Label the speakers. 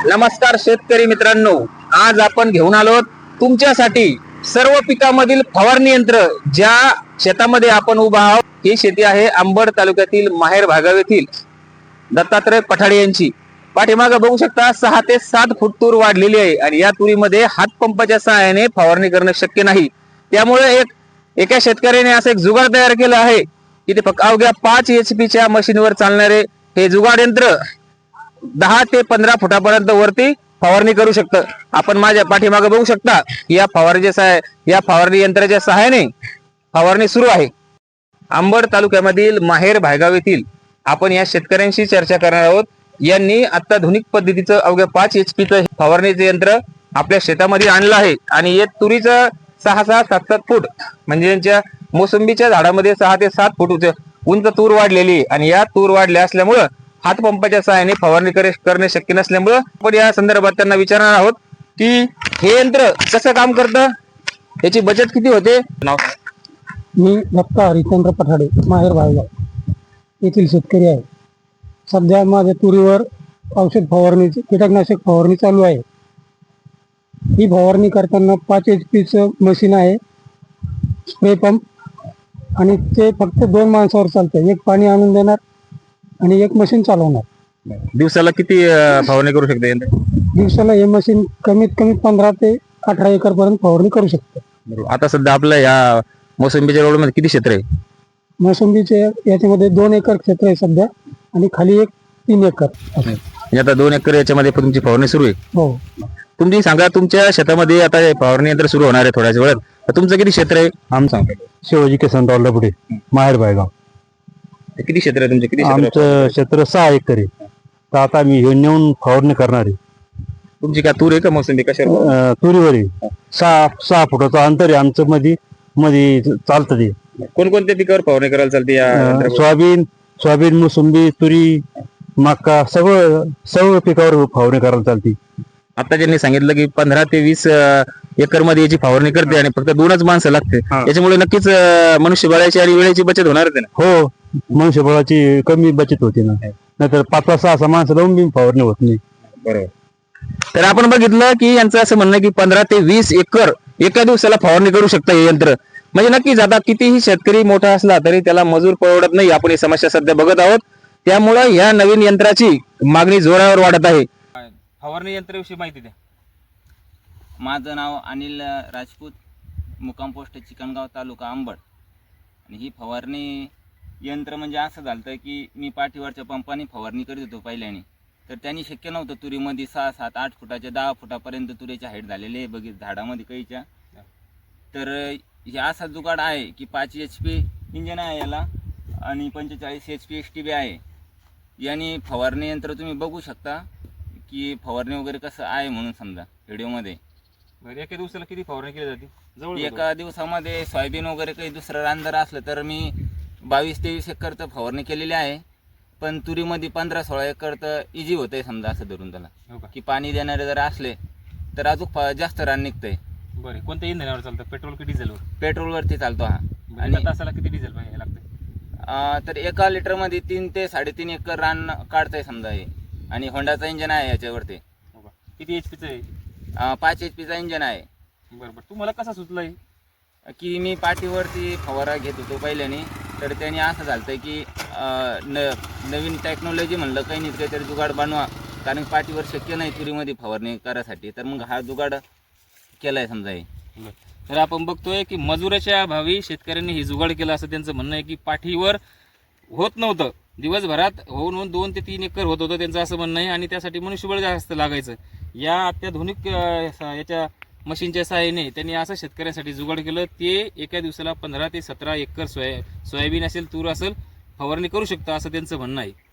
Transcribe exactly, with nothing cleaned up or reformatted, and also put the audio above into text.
Speaker 1: नमस्कार शेतकरी मित्रांनो, आज आपण घेऊन आलो तुमच्यासाठी सर्व पिकांमधील फवारणी यंत्र। ज्या शेतामध्ये आपण उभा आहोत ही शेती आहे अंबड तालुक्यातील माहेर भागाव येथील दत्तात्रय पठाडे यांची। पाठीमागे बघू शकता सहा ते सात फूट तूर वाढलेली आहे आणि या तुरीमध्ये हातपंपाच्या सहाय्याने फवारणी करणे शक्य नाही। त्यामुळे एक एका शेतकऱ्याने असं एक जुगाड तयार केलं आहे की ते फक्त अवघ्या पाच एच पी च्या मशीनवर चालणारे हे जुगाड यंत्र दहा ते पंधरा फुटापर्यंत वरती फवारणी करू शकतं। आपण माझ्या पाठीमागे बघू शकता या फवारणीच्या या फवारणी यंत्राच्या सहाय्याने फवारणी सुरू आहे। अंबड तालुक्यामधील माहेर भायगाव येथील आपण या शेतकऱ्यांशी चर्चा करणार आहोत। यांनी अत्याधुनिक पद्धतीचं अवघ्या पाच एच पीचं फवारणीचे यंत्र आपल्या शेतामध्ये आणलं आहे आणि हे तुरीचं सहा सहा सात सात फूट म्हणजे यांच्या मोसंबीच्या झाडामध्ये सहा ते सात फूट उंच तूर वाढलेली आणि या तूर वाढल्या असल्यामुळं हातपंपाच्या सहाय्याने फवारणी करणे शक्य नसल्यामुळं आपण या संदर्भात त्यांना विचारणार आहोत की हे यंत्र कसं काम करतं, याची बचत किती होते। नाव
Speaker 2: मी दत्ता हरिचंद्र पठाडे माहेर भायगाव येथील शेतकरी आहे। सध्या माझ्या तुरीवर औषध फवारणीची कीटकनाशक फवारणी चालू आहे। ही फवारणी करताना पाच एच पीचं मशीन आहे, स्प्रे पंप, आणि ते फक्त दोन माणसावर चालतं। एक पाणी आणून देणार आणि एक मशीन चालवणार।
Speaker 1: दिवसाला किती फवारणी करू शकते यंत्र?
Speaker 2: दिवसाला हे मशीन कमीत कमी पंधरा ते अठरा एकर पर्यंत फवारणी करू शकते।
Speaker 1: आता सध्या आपल्या या मोसंबीच्या रोडमध्ये किती क्षेत्र आहे?
Speaker 2: मोसंबीचे याच्यामध्ये दोन एकर क्षेत्र आहे सध्या आणि खाली एक तीन एकर।
Speaker 1: म्हणजे आता दोन एकर याच्यामध्ये तुमची फवारणी सुरू आहे।
Speaker 2: हो,
Speaker 1: तुम्ही सांगा तुमच्या शेतामध्ये आता फवारणी यंत्र सुरू होणार आहे थोड्याच वेळात, तुमचं किती क्षेत्र आहे? आम सांगा।
Speaker 2: शिवाजी केसनरावला पुढे माहेर भायगाव
Speaker 1: किती क्षेत्र आहे तुमचे? किती
Speaker 2: आमचं क्षेत्र सहा एकर आहे। तर आता मी हे नेऊन फवारणी करणार आहे।
Speaker 1: तुमची काय तूर आहे का मोसंबी कशावर?
Speaker 2: अं, तुरीवर आहे। सहा सहा फुटाचं अंतर आहे आमचं, मध्ये मध्ये चालतं ते।
Speaker 1: कोणकोणत्या पिकावर फवारणी करायला चालते या
Speaker 2: अं,
Speaker 1: यंत्रावर?
Speaker 2: सोयाबीन सोयाबीन मोसंबी तुरी मका सगळं सर्व पिकावर फवारणी करायला चालते।
Speaker 1: आता ज्यांनी सांगितलं की पंधरा ते वीस एकर मध्ये याची फवारणी करते आणि फक्त दोनच माणसं लागते, याच्यामुळे नक्कीच अं, मनुष्यबळाची आणि वेळेची बचत होणार आहे ना?
Speaker 2: हो, मनुष्यबळाची कमी बचत होती ना, नाहीतर पाच पाच सहा सहा माणसं लावून बी फवारणी होत नाही।
Speaker 1: बरोबर। तर आपण बघितलं की यांचं असं म्हणणं की पंधरा ते वीस एकर एका दिवसाला फवारणी करू शकतं हे यंत्र। म्हणजे नक्कीच आता कितीही शेतकरी मोठा असला तरी त्याला मजूर परवडत नाही, आपण ही समस्या सध्या बघत आहोत। त्यामुळे या नवीन यंत्राची मागणी जोरावर वाढत आहे।
Speaker 3: फवारणी यंत्राविषयी माहिती द्या।
Speaker 4: माझं नाव अनिल राजपूत, मुक्काम पोस्ट चिकणगाव, तालुका अंबड। आणि ही फवारणी यंत्र म्हणजे असं झालं की मी पाठीवरच्या पंपाने फवारणी करीत होतो पहिल्याने, तर त्यांनी शक्य नव्हतं। तुरीमध्ये सहा सात आठ फुटाच्या दहा फुटापर्यंत तुरीच्या हाईट झालेले आहे बघित झाडामध्ये कैच्या। तर हे असा जुगाड आहे की पाच एच पी इंजन आहे याला आणि पंचेचाळीस H P S T B आहे। याने फवारणी यंत्र तुम्ही बघू शकता की फवारणी वगैरे कसं आहे म्हणून समजा व्हिडिओमध्ये।
Speaker 3: बरं, एका दिवसाला किती फवारणी केली जाते? जवळ
Speaker 4: एका दिवसामध्ये सोयाबीन वगैरे काही दुसरं रान जर असलं तर मी बावीस तेवीस एकरचं फवारणी केलेली आहे, पण तुरीमध्ये पंधरा सोळा एकर तर इझी होतंय समजा असं धरून त्याला।
Speaker 3: हो का?
Speaker 4: की पाणी देणारे जर असले तर अजून जास्त रान निघतंय।
Speaker 3: बरं, कोणत्या इंधनावर चालतं, पेट्रोल की डिझेलवर?
Speaker 4: पेट्रोलवरती चालतो हा।
Speaker 3: आणि तासाला किती डिझेल पाहिजे लागतं?
Speaker 4: अं, तर एका लिटरमध्ये तीन ते साडेतीन एकर रान काढतंय समजा हे। आणि होंडाचा इंजन आहे याच्यावरती।
Speaker 3: हो का? किती एच पीचं आहे?
Speaker 4: अं, पाच एच पीचा इंजन आहे।
Speaker 3: बरं बरं, तुम्हाला कसा सुचला आहे?
Speaker 4: की मी पाठीवरती फवारा घेत होतो पहिल्याने, तर त्याने असं झालं की अं, न नवीन टेक्नॉलॉजी म्हणलं काही नाही काहीतरी जुगाड बनवा, कारण पाठीवर शक्य नाही तुरीमध्ये फवारणी करायसाठी, तर मग हा जुगाड केला आहे समजा हे।
Speaker 3: बरं, तर आपण बघतोय की मजुराच्या अभावी शेतकऱ्यांनी हे जुगाड केलं असं त्यांचं म्हणणं आहे की पाठीवर होत नव्हतं, दिवसभरात होऊन होऊन दोन ते तीन एकर होत होतं त्यांचं असं म्हणणं आहे। आणि त्यासाठी मनुष्यबळ जास्त लागायचं। या अत्याधुनिक याच्या मशीनच्या सहाय्याने त्यांनी असं शेतकऱ्यांसाठी जुगाड केलं, ते एका दिवसाला पंधरा ते सतरा एकर सोया सोयाबीन असेल तूर असेल फवारणी करू शकतं असं त्यांचं म्हणणं आहे।